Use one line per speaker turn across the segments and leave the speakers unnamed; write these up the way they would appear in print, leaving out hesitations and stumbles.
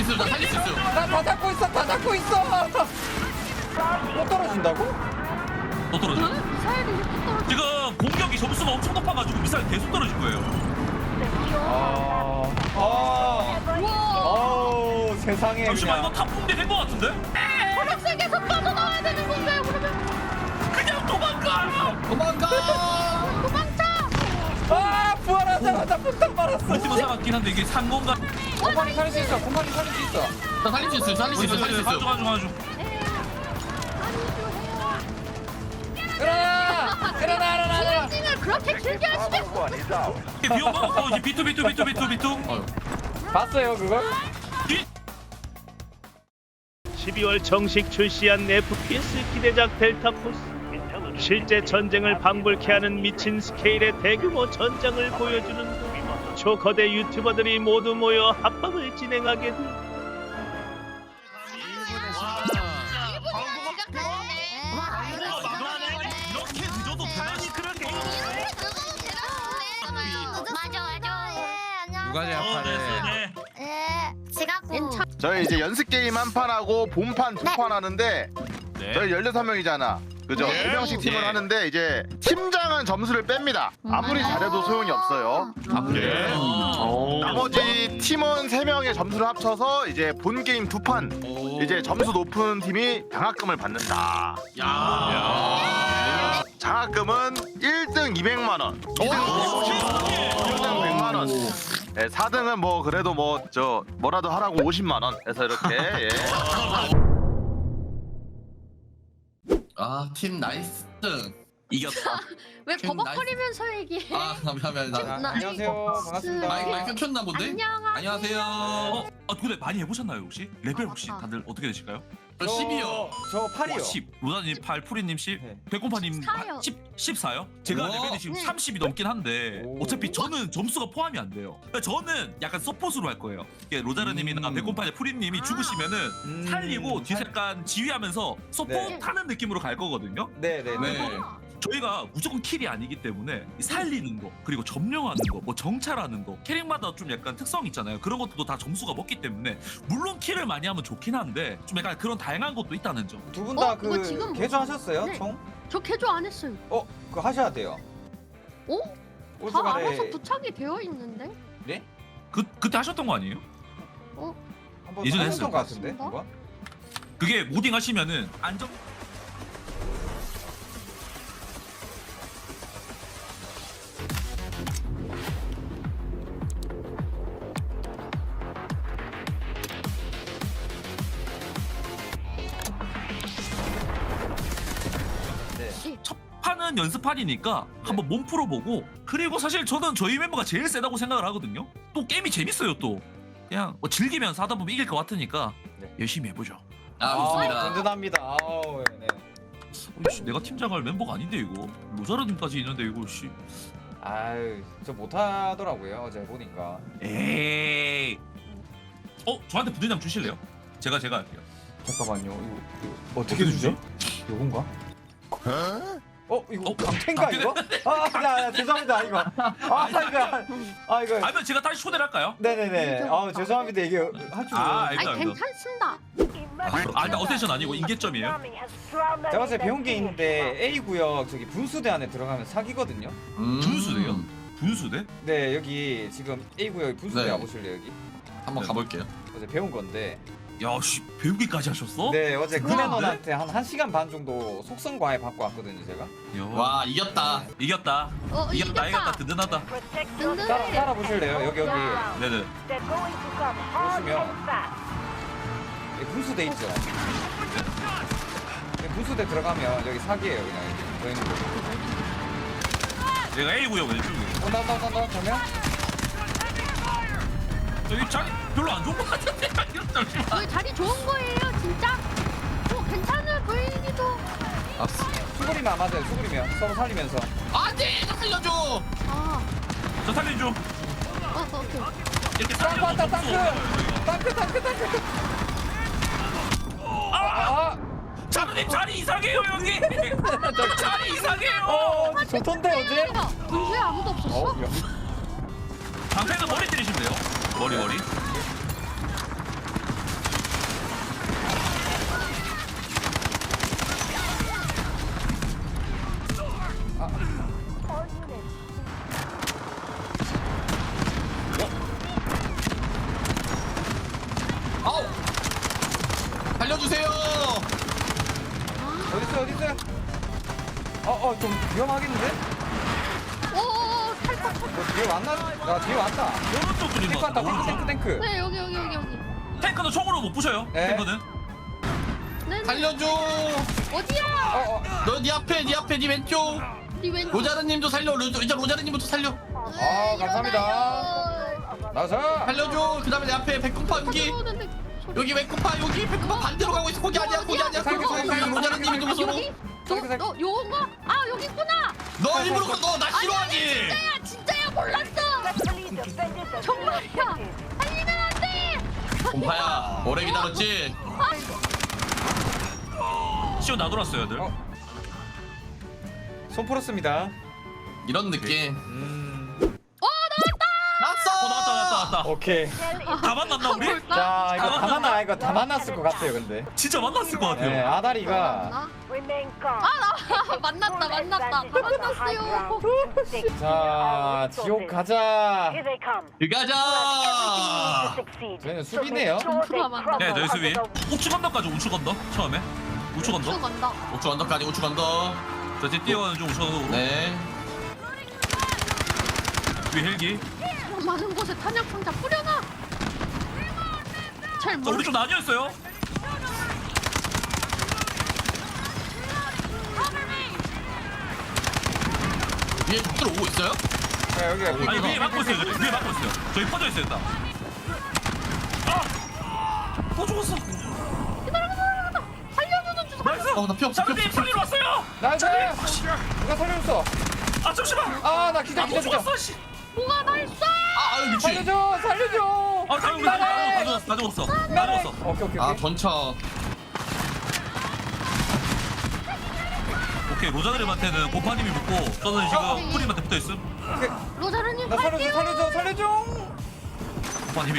있어요. 나 살릴 수 있어요.
나 다 잡고 있어. 다 잡고 있어. 또 떨어진다고?
또 떨어져.
미사일이 이렇게 떨어져.
지금 공격이 점수가 엄청 높아가지고 미사일 계속 떨어질 거예요.
어우 세상에
잠시만 이거
그냥.
탑붕대 된거 같은데?
초록색에서 빠져나와야 되는 건가요 그러면?
그냥 도망가!
도망가.
도망쳐!
아 부활하자마자 폭탄 말았어.
울티마 살았긴 한데 이게 산 건가?
곰팡이 살릴 수 있어. 곰팡이 살릴 수 있어.
나 살릴 수 있어요. 살릴 수 있어요. 살릴 수 있어요.
가져.
일어나.
을 그렇게 길게 하시겠어?
비오고 이제 비투.
봤어요 그걸?
12월 정식 출시한 FPS 기대작 델타포스. 실제 전쟁을 방불케 하는 미친 스케일의 대규모 전장을 보여주는 초거대 유튜버들이 모두 모여 합방을 진행하게 돼.
이렇게 늦어도 변하지 그런 게.
누가 제압하네.
저희 이제 연습 게임 한 판 하고 본판 두 판 하는데 저희 16명이잖아. 그죠?
네.
2명씩 팀을
네.
하는데 이제 팀장은 점수를 뺍니다. 아무리 잘해도 소용이 없어요. 나머지 팀원 3명의 점수를 합쳐서 이제 본 게임 두 판 이제 점수 높은 팀이 장학금을 받는다. 장학금은 1등 200만 원, 2등 100만 원. 네, 4등은 뭐 그래도 뭐 뭐라도 하라고 50만 원 해서 이렇게 예.
아, 팀 나이스.
이겼다.
왜
팀
버벅거리면서 얘기해?
아, 미안.
자,
나
안녕하세요. 반갑습니다.
마이크 켰나 본데? 안녕하세요.
근데 많이 해보셨나요 혹시? 레벨 혹시
아.
다들 어떻게 되실까요?
저 10이요.
저 8이요.
10, 로다님 8, 푸리님 10,
네.
백곰파님
사요.
14요? 제가
우와.
레벨이 지금
네.
30이 넘긴 한데
오.
어차피 저는 점수가 포함이 안 돼요. 그러니까 저는 약간 서폿으로 할 거예요. 이게 로자르님이나 백곰파님, 푸리님이 죽으시면은 살리고 뒤에서 약간 지휘하면서 서폿하는 느낌으로 갈 거거든요.
네네네.
네.
저희가 무조건 킬이 아니기 때문에 살리는 거 그리고 점령하는 거 뭐 정찰하는 거 캐릭마다 좀 약간 특성 있잖아요. 그런 것도 다 점수가 먹기 때문에 물론 킬을 많이 하면 좋긴 한데 좀 약간 그런 다양한 것도 있다는 점.
두 분 다
이거 지금
그 개조하셨어요?
네.
총?
저 개조 안 했어요.
그거 하셔야 돼요.
어?
올
다
시간에
알아서 부착이 되어 있는데?
그때 하셨던 거 아니에요?
한번
예전에
하셨던
했어요.
것 같은데
맞습니다.
한번?
그게 모딩 하시면은 안정. 첫 판은 연습판이니까 한번 몸 풀어보고 그리고 사실 저는 저희 멤버가 제일 세다고 생각을 하거든요. 또 게임이 재밌어요 또. 그냥 뭐 즐기면서 하다 보면 이길 것 같으니까
네.
열심히 해보죠.
아, 좋습니다.
든든합니다. 아우 네.
씨, 내가 팀장할 멤버가 아닌데 이거 로자르님까지 있는데 이거 씨.
아유 저 못하더라고요 어제 보니까.
에이. 저한테 부대장 주실래요? 제가 할게요.
잠깐만요. 이거 어떻게 주죠? 요건가? 이거 강태인가
강태?
이거? 야, 죄송합니다 이거. 이거.
아니면 제가 다시 초대를 할까요?
네네네. 죄송합니다 이게 할 줄.
알겠다.
아니 괜찮습니다.
일단 어텐션 아니고 인계점이에요.
제가 어제 배운 게 있는데 A 구역 저기 분수대 안에 들어가면 사기거든요.
분수대요? 분수대?
네 여기 지금 A 구역 분수대
네.
와보실래요 여기?
한번 가볼게요.
어제 배운 건데.
야씨 배우기까지 하셨어?
네 어제
그거
클레논한테 한 1시간 반 정도 속성 과외 받고 왔거든요 제가.
야.
와, 이겼다.
이겼다. 이겼다. 든든하다.
든든해.
따라 보실래요 여기
네네.
보시면 여기 분수대 있죠. 여기 분수대 들어가면 여기 사기예요 그냥 여기 저 있는 거.
내가 A 구역 왼쪽에.
온다 그러면
저기 자리 별로 안 좋은 것 같은데. 잠시만.
여기 자리 좋은 거예요 진짜? 괜찮아 보이기도.
수그리면 안 맞아요 수그리면 서로 살리면서.
안돼, 나 살려줘.
저 살림 좀.
오케이.
이렇게
땅크
살려.
왔다 땅크.
자르님 자리 이상해요 여기. 자리 이상해요.
좋던데 어제?
분수에 아무도 없었어?
여기.
방패는 머리 때리시면 돼요. 머리.
살려주세요.
어딨어요? 좀 위험하겠는데?
오, 탈거.
너 뒤에 왔나? 나 뒤에 왔다.
오른쪽 그림
탱크 왔다.
같다. 오른쪽.
탱크.
네, 여기.
탱크는 총으로 못 부셔요.
네.
탱크는.
네.
살려줘.
어디야?
너 네 앞에 네 왼쪽.
네 왼쪽.
로자르님도 살려. 이제 로자르님부터 살려.
감사합니다. 나서.
살려줘. 그다음에 내 앞에 백곰파 여기. 여기 백곰파 여기 백곰파 반대로 가고 있어. 거기 아니야. 거기 로자르님이 좀 무서워.
너 요건가? 아, 여기 있구나.
너 일부러 나 싫어하지.
진짜야 몰랐어. 정말이야. 살리면 안 돼.
곰파야 오래 기다렸지.
시원 나돌았어요, 애들.
손 풀었습니다.
이런 느낌.
나왔다.
오케이.
다 만났나 우리?
자, 이거 다 만났을 것 같아요, 근데.
진짜 만났을 것 같아요.
네, 아다리가.
나 만났다. 다 만났어요.
자, 지옥 가자.
가자.
저희는 수비네요.
네, 저희 수비. 우측 언덕까지 우측 언덕 처음에. 우측 언덕.
간다.
우측 언덕까지 우측 언덕.
저 뒤에 뛰어가는 중 우측 언덕으로.
네.
뒤에 헬기.
많은 곳에 탄약 상자 뿌려놔. 잘
자,
모르.
우리 좀 나뉘었어요.
위에 적들 오고 있어요?
자, 여기.
아니 위에 막고 있어요. 위에 막고 있어요. 저기 퍼져 있어요 일단. 또 죽었어.
살려주는 주소.
나이스.
나 피 없어.
장님 살리러 왔어요.
나이스! 누가 살려줬어?
아 잠시만.
아, 나 기다.
또 죽었어. 씨.
뭐가 나 있어?
아 미친.
살려줘!
아 장님
나네!
다 죽었어. 다 죽었어.
오케이.
아 전차.
오케이 로자드림한테는 고파님이 붙고 저는 지금 프림한테 붙어 있음.
로자르님
나
갈게요.
살려줘!
고파님이.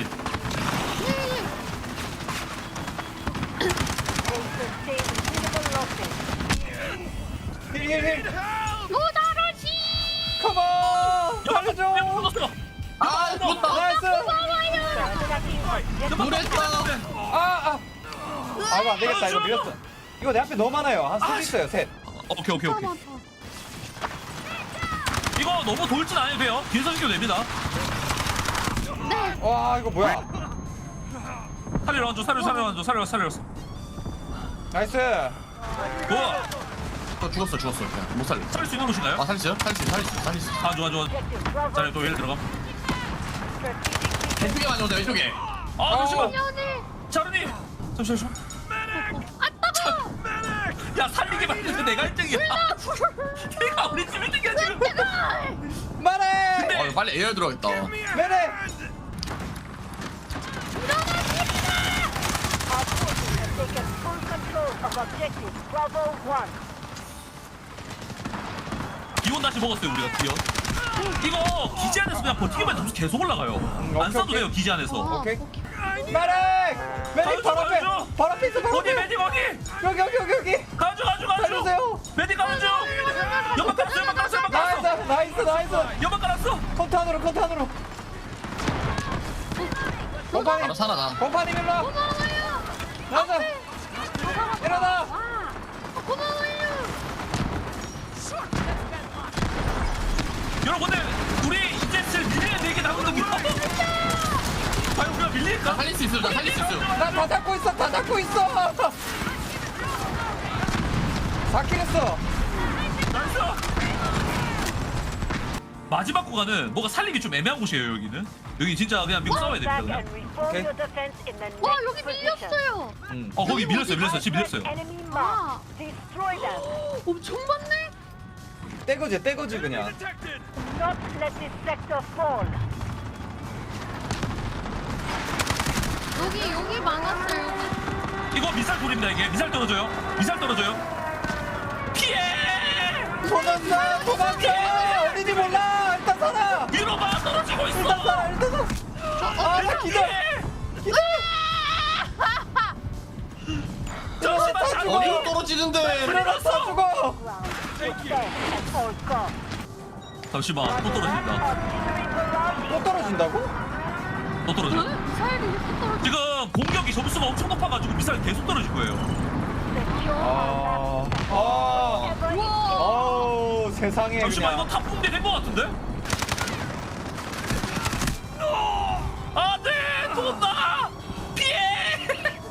힐!
로자르씨.
컴온! 살려줘!
아 죽었다.
나이스!
노랬다.
이거 안 되겠다. 이거 밀렸어. 이거 내 앞에 너무 많아요. 한 셋 있어요, 셋.
오케이. 이거 너무 돌진 안 해도 돼요. 뒤에서 시켜도 됩니다.
네.
와, 이거 뭐야?
살리러 살렸어.
나이스!
좋아.
죽었어. 그냥 못 살려.
살릴 수 있는 곳인가요?
아 살렸어요? 살릴 수.
아 좋아. 자, 또 일 들어가.
왼쪽에 많이 오세요. 왼쪽에.
아 잠시만.
연애.
자르니. 잠시만.
아 따가.
야 살리기만 해도 내가 1등이야. 내가 우리 팀 1등이야 지금.
말해!
빨리 에어 들어가겠다.
매네!
기온 다시 먹었어요 우리가 기온. 이거 기지 안에서 그냥 버티기만 점수 계속 올라가요. 안 써도
오케이.
돼요 기지 안에서.
오케이. 말해! 메딕 바로 앞에! 바로 앞에 있어, 바로
어디
앞에!
메디 거기.
여기!
가줘.
살려주세요!
메디 가는 중. 연막 깔았어.
나이스!
연막 깔았어.
컨탄으로! 곰팡이!
바로 살아나.
곰팡이 일로 와! 나이스! 일어나!
고마워요.
여러분 근데 우리 이제 슬 밀리는 되게 남은 거 과연 우리가 밀릴까?
나 살릴 수 있어.
나 다 잡고 있어! 4킬 했어!
나이스. 마지막 구간은 뭐가 살리기 좀 애매한 곳이에요 여기는. 여기 진짜 그냥 미국 싸워야 됩니다 그냥.
오케이.
와 여기 밀렸어요.
거기 밀렸어요. 지금 밀렸어요.
아. 엄청 많네.
떼거지 그냥.
여기 많았어요.
이거 미사일 돌입니다 이게. 미사일 떨어져요. 피해.
도망쳐! 어딘지 몰라! 일단 살아!
위로가 떨어지고 있어.
일단 살아! 나 기절!
잠시만 잘
어디로 떨어지는데?
일어나 다 죽어!
잠시만 또 떨어진다.
또 떨어진다고?
또 떨어져.
미사일이 이렇게 떨어져.
지금 공격이 점수가 엄청 높아가지고 미사일 계속 떨어질 거예요.
우와.
어우 세상에
잠시만 이거
그냥.
탑붕대 된거 같은데? 안돼 도망가 피해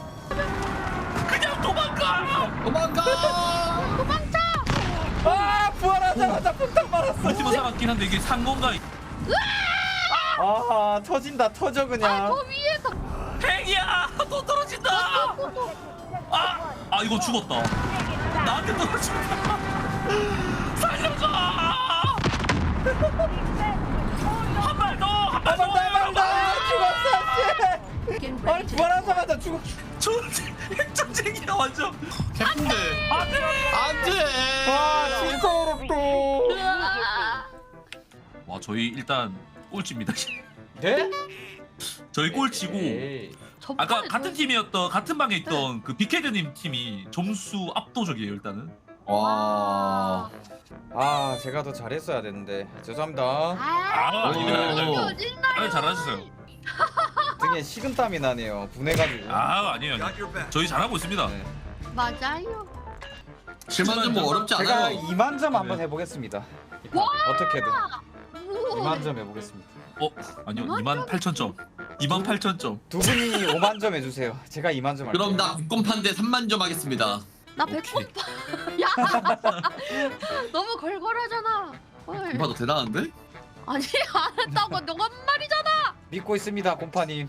그냥 도망가.
도망가.
도망쳐.
아 부활하자마자 폭탄 말았어.
우리 팀은 살았긴 한데 이게 산 건가?
아 터진다 터져 그냥.
저 위에서.
팽이야 또 떨어진다. 아 이거 죽었다. 나한테 떨어진다. 살려줘. 한 발 더. 한 발 더.
죽었어 씨. 아니 부활하자마자 죽어.
핵전쟁이야 완전.
개쁜데.
안돼.
안돼.
아 진짜 어렵다.
와 저희 일단 꼴찌입니다.
네?
저희 꼴찌고.
에이.
아까 같은 팀이었던 같은 방에 있던 그 빅헤드님 팀이 점수 압도적이에요 일단은.
와.
아 제가 더 잘했어야 되는데 죄송합니다.
아닙니다.
오.
잘하셨어요.
등에 식은땀이 나네요. 분해가지고.
아니에요. 저희 잘하고 있습니다.
네.
맞아요.
7만 점뭐 어렵지
제가
않아요.
2만 점 한번 해보겠습니다. 어떻게든
오.
2만 점 해보겠습니다.
아니요 28,000점. 28,000점.
두 분이 5만 점 해주세요. 제가 2만 점 할게요.
그럼 나 국권판대 3만 점 하겠습니다.
나 배꼽 봐. 야. 너무 걸걸하잖아. 헐.
봐도 대단한데?
아니 안 했다고 너가 한 말이잖아.
믿고 있습니다, 곰파님.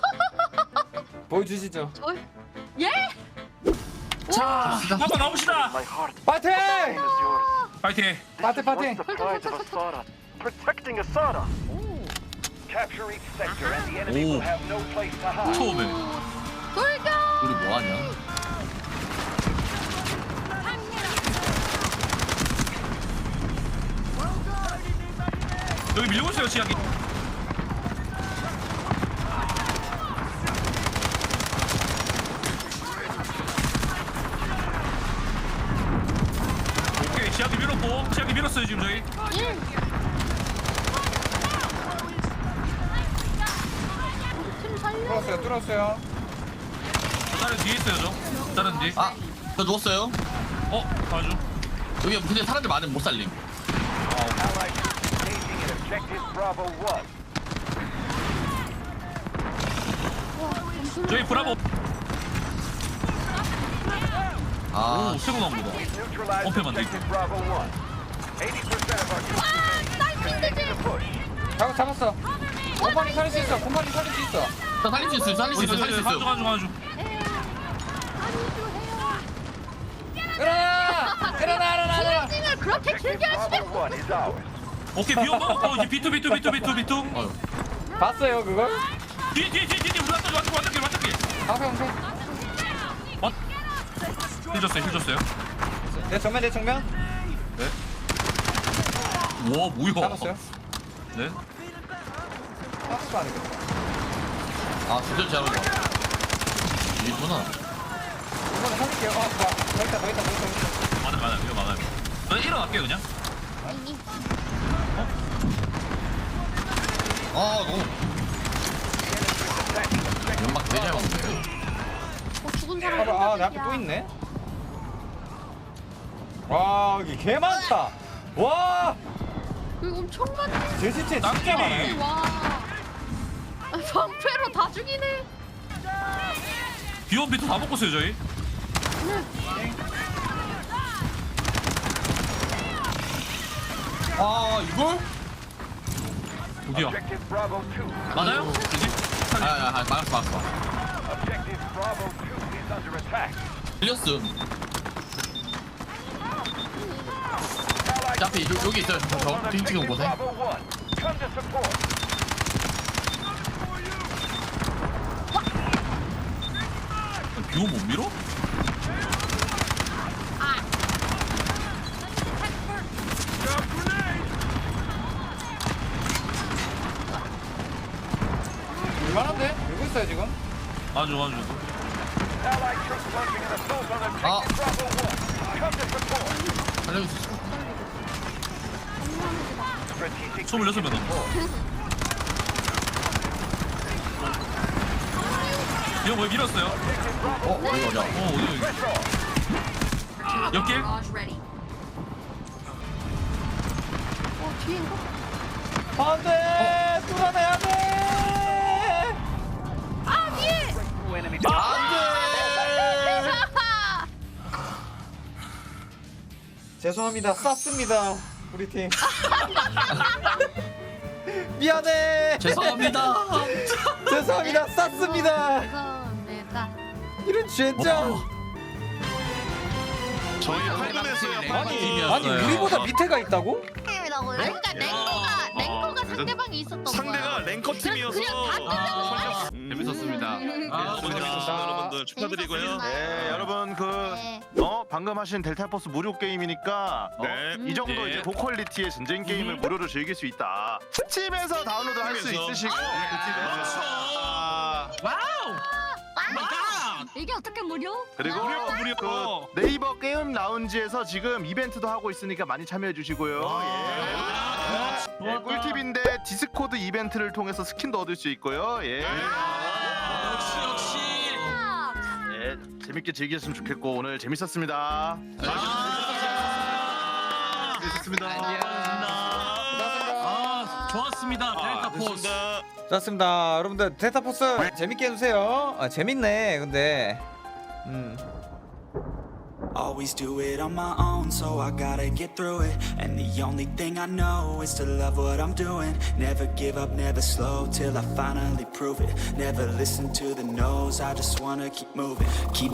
보여주시죠.
저 예?
자 한번 가봅시다.
파이팅!
파이팅.
파이팅 파이팅!
Protecting Asada.
오.
Capture each sector and the enemy will have no place to hide.
처음에.
돌격.
우리 뭐하냐?
여기 밀고 있어요 지하기. 오케이 지하기 밀었고 지하기 밀었어요 지금 저희.
예. 팀 살려.
뚫었어요.
다른 뒤에 있어요 저. 다른 뒤.
아, 저 누웠어요.
봐줘.
여기 근데 사람들 많으면 못 살림.
Allied troops engaging in objective Bravo 1.
저희 브라보.
아,
오 새로 나온 거다.
Neutralize
엄폐만 돼
objective Bravo 1. 80% of our troops
나이스
in the push.
잡았어. 곰파님 살릴 수 있어. 곰파님 살릴 수 있어.
저 살릴 수 있어요. 살릴 수 있어요. 살릴 수 있어요.
가져.
일어나!
을 그렇게 길게 하시면
Bravo 1 is ours.
오케이 비온 먹었고 이제 비투.
어휴.
봤어요 그걸?
뒤에 우리 완전길.
방패.
힐 줬어요.
내 정면.
와 뭐야?
잡았어요.
네.
박스가 안 되겠다.
아, 주전 잘하네 이구나.
이번에 살릴게요. 더 있다.
많아요. 이거 많아요. 저 일어날게요 그냥.
아, 너무. 연막 되게 잘 먹네.
죽은 사람.
내 앞에 또 있네. 와 여기 개 많다. 와
이거 엄청 많네.
제 시체 진짜
남김이.
많아요.
와. 방패로 다 죽이네.
비온 비투 다 먹고 있어요 저희.
아, 이걸?
어디야?
Objective Bravo 2.
맞아요? 이제?
아, 막았어.
Objective Bravo 2 is under attack.
틀렸음. 자, 앞에 여기 있어요. 저 지금 곳에.
Bravo 1. Come to support.
비온 못 밀어?
얼마나인데? 누구 있어요 지금?
아주.
Allied troops launching an assault on objective Bravo 1. Come to support.
살려줄 수 있어.
Strategic
26명 남았어. 형 왜 밀었어요?
어디 가자.
어디 옆길?
뒤인가?
안돼 뚫어내야 돼.
아 뒤에.
죄송합니다. 쌌습니다. 우리 팀. 미안해.
죄송합니다.
죄송합니다. 쌌습니다.
감사합니다.
이런 젠장.
저희 8분에서요.
아니 우리보다 밑에가 있다고?
팀이라고요? 그러니까 랭커가 상대방이 있었던 거야.
상대가 랭커 팀이어서
그냥 다 뚫려서
재밌었습니다.
재밌었습니다. 여러분들 축하드리고요. 네, 여러분
네.
방금 하신 델타포스 무료 게임이니까 이 정도
네.
이제 고퀄리티의 전쟁 게임을 무료로 즐길 수 있다. 스팀에서 다운로드 할 수 있으시고
이게 어떻게 무료?
그리고 그 네이버 게임 라운지에서 지금 이벤트도 하고 있으니까 많이 참여해 주시고요. 예. 예, 꿀팁인데 디스코드 이벤트를 통해서 스킨도 얻을 수 있고요. 예.
역시.
예, 재밌게 즐기셨으면 좋겠고 오늘 재밌었습니다. 재밌었습니다.
좋았습니다. 델타 포스.
좋습니다. 여러분들 델타포스 재밌게 해주세요. 재밌네. 근데
Always do it on my own, so I gotta get through it. And the only thing I know is to love what I'm doing. Never give up, never slow till I finally prove it. Never listen to the no's, I just wanna keep moving. Keep